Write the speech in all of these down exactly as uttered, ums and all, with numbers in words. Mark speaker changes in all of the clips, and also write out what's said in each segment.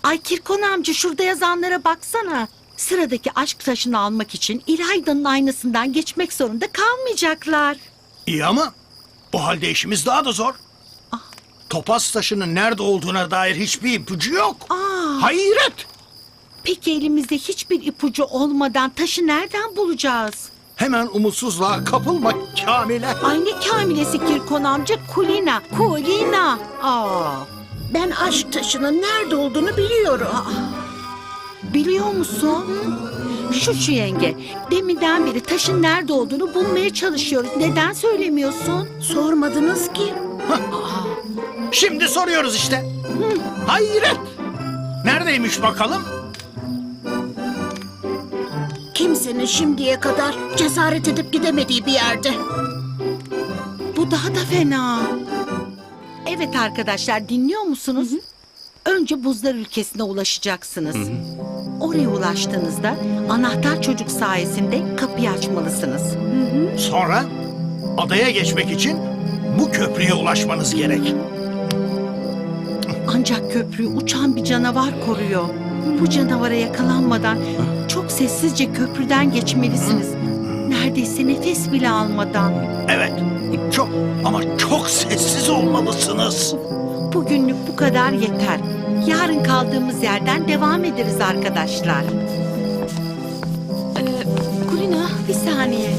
Speaker 1: Ay Kirkon amca, şurada yazanlara baksana. Sıradaki aşk taşını almak için İlayda'nın aynasından geçmek zorunda kalmayacaklar.
Speaker 2: İyi ama o halde işimiz daha da zor.
Speaker 1: Ah.
Speaker 2: Topaz taşının nerede olduğuna dair hiçbir ipucu yok.
Speaker 1: Aa.
Speaker 2: Hayret!
Speaker 1: Peki elimizde hiçbir ipucu olmadan taşı nereden bulacağız?
Speaker 2: Hemen umutsuzluğa kapılma Kamile.
Speaker 1: Ay ne kamilesi Kirkon amca, Kulina, Kulina. Aa.
Speaker 3: Ben aşk taşının nerede olduğunu biliyorum.
Speaker 1: Biliyor musun? Şu şu yenge, deminden beri taşın nerede olduğunu bulmaya çalışıyoruz. Neden söylemiyorsun?
Speaker 3: Sormadınız ki.
Speaker 2: Şimdi soruyoruz işte. Hayret! Neredeymiş bakalım?
Speaker 3: Kimsenin şimdiye kadar cesaret edip gidemediği bir yerde.
Speaker 1: Bu daha da fena. Evet arkadaşlar, dinliyor musunuz? Önce buzlar ülkesine ulaşacaksınız. Oraya ulaştığınızda anahtar çocuk sayesinde kapıyı açmalısınız.
Speaker 2: Sonra adaya geçmek için bu köprüye ulaşmanız gerek.
Speaker 1: Ancak köprüyü uçan bir canavar koruyor. Bu canavara yakalanmadan çok sessizce köprüden geçmelisiniz. Neredeyse nefes bile almadan.
Speaker 2: Evet, çok ama çok sessiz olmalısınız.
Speaker 1: Bugünlük bu kadar yeter. Yarın kaldığımız yerden devam ederiz arkadaşlar. Ee, Kulina, bir saniye.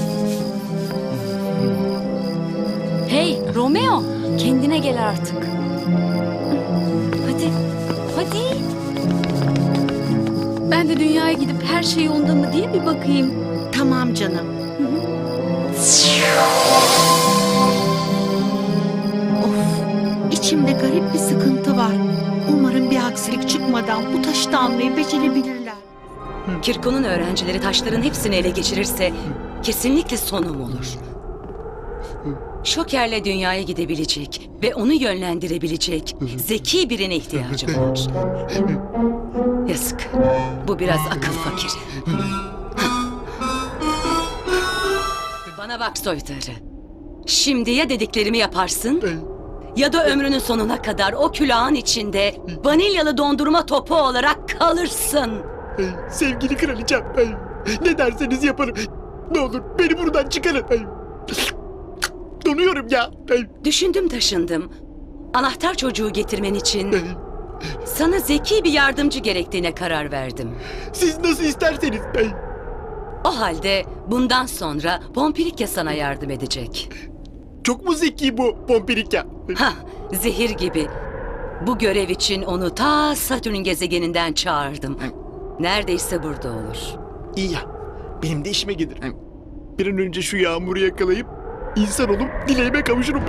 Speaker 4: Hey Romeo, kendine gel artık. Hadi, hadi. Ben de dünyaya gidip her şey yolunda mı diye bir bakayım.
Speaker 1: Tamam canım. Of, içimde garip bir sıkıntı var. Umarım bir aksilik çıkmadan bu taşı da almayı becerebilirler.
Speaker 5: Kirko'nun öğrencileri taşların hepsini ele geçirirse kesinlikle sonum olur. Şoker'le dünyaya gidebilecek ve onu yönlendirebilecek zeki birine ihtiyacım var. Yazık. Bu biraz akıl fakiri. Bana bak soytarı. Şimdi ya dediklerimi yaparsın ya da ömrünün sonuna kadar o külahın içinde vanilyalı dondurma topu olarak kalırsın.
Speaker 6: Sevgili kraliçem, ne derseniz yaparım. Ne olur beni buradan çıkarın. Donuyorum ya.
Speaker 5: Düşündüm taşındım. Anahtar çocuğu getirmen için sana zeki bir yardımcı gerektiğine karar verdim.
Speaker 6: Siz nasıl isterseniz.
Speaker 5: O halde bundan sonra Pompirikya sana yardım edecek.
Speaker 6: Çok mu zeki bu Pompirikya?
Speaker 5: Hah, zehir gibi. Bu görev için onu ta Satürn gezegeninden çağırdım. Neredeyse burada olur.
Speaker 6: İyi ya, benim de işime gelir. Bir an önce şu yağmuru yakalayıp insan olup dileğime kavuşurum.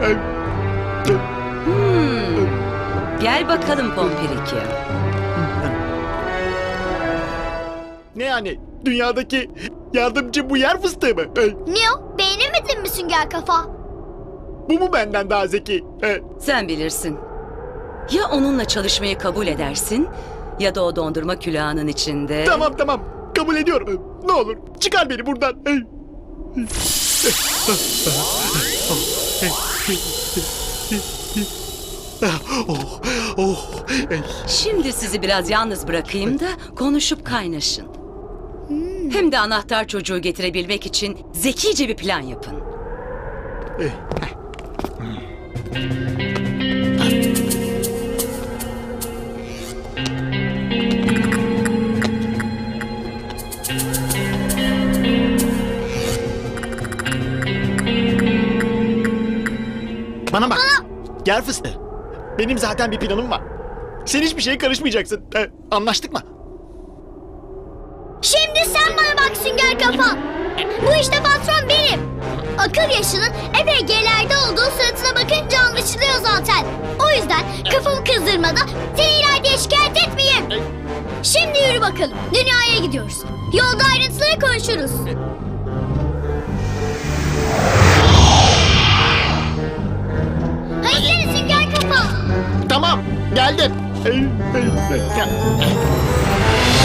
Speaker 5: Hmm. Gel bakalım Pompirikya.
Speaker 6: Ne yani? Dünyadaki yardımcı bu yer fıstığı mı?
Speaker 7: Ne o? Beğenemedin mi sünger kafa?
Speaker 6: Bu mu benden daha zeki?
Speaker 5: Sen bilirsin. Ya onunla çalışmayı kabul edersin ya da o dondurma külahının içinde...
Speaker 6: Tamam tamam, kabul ediyorum. Ne olur çıkar beni buradan. Oh, oh.
Speaker 5: Şimdi sizi biraz yalnız bırakayım da konuşup kaynaşın. Hem de anahtar çocuğu getirebilmek için zekice bir plan yapın.
Speaker 6: Bana bak. Gel fıstığı. Benim zaten bir planım var. Sen hiçbir şeye karışmayacaksın. Ee, anlaştık mı?
Speaker 7: Şimdi sen bana bak sünger kafa. Bu işte patron benim. Akıl yaşının epey gerilerde olduğu suratına bakınca anlaşılıyor zaten. O yüzden kafamı kızdırmadan seni ileride şikayet etmeyeyim. Şimdi yürü bakalım. Dünyaya gidiyoruz. Yolda ayrıntıları konuşuruz. Hayır sünger kafa.
Speaker 6: Tamam, geldim. Ee, e, e, gel.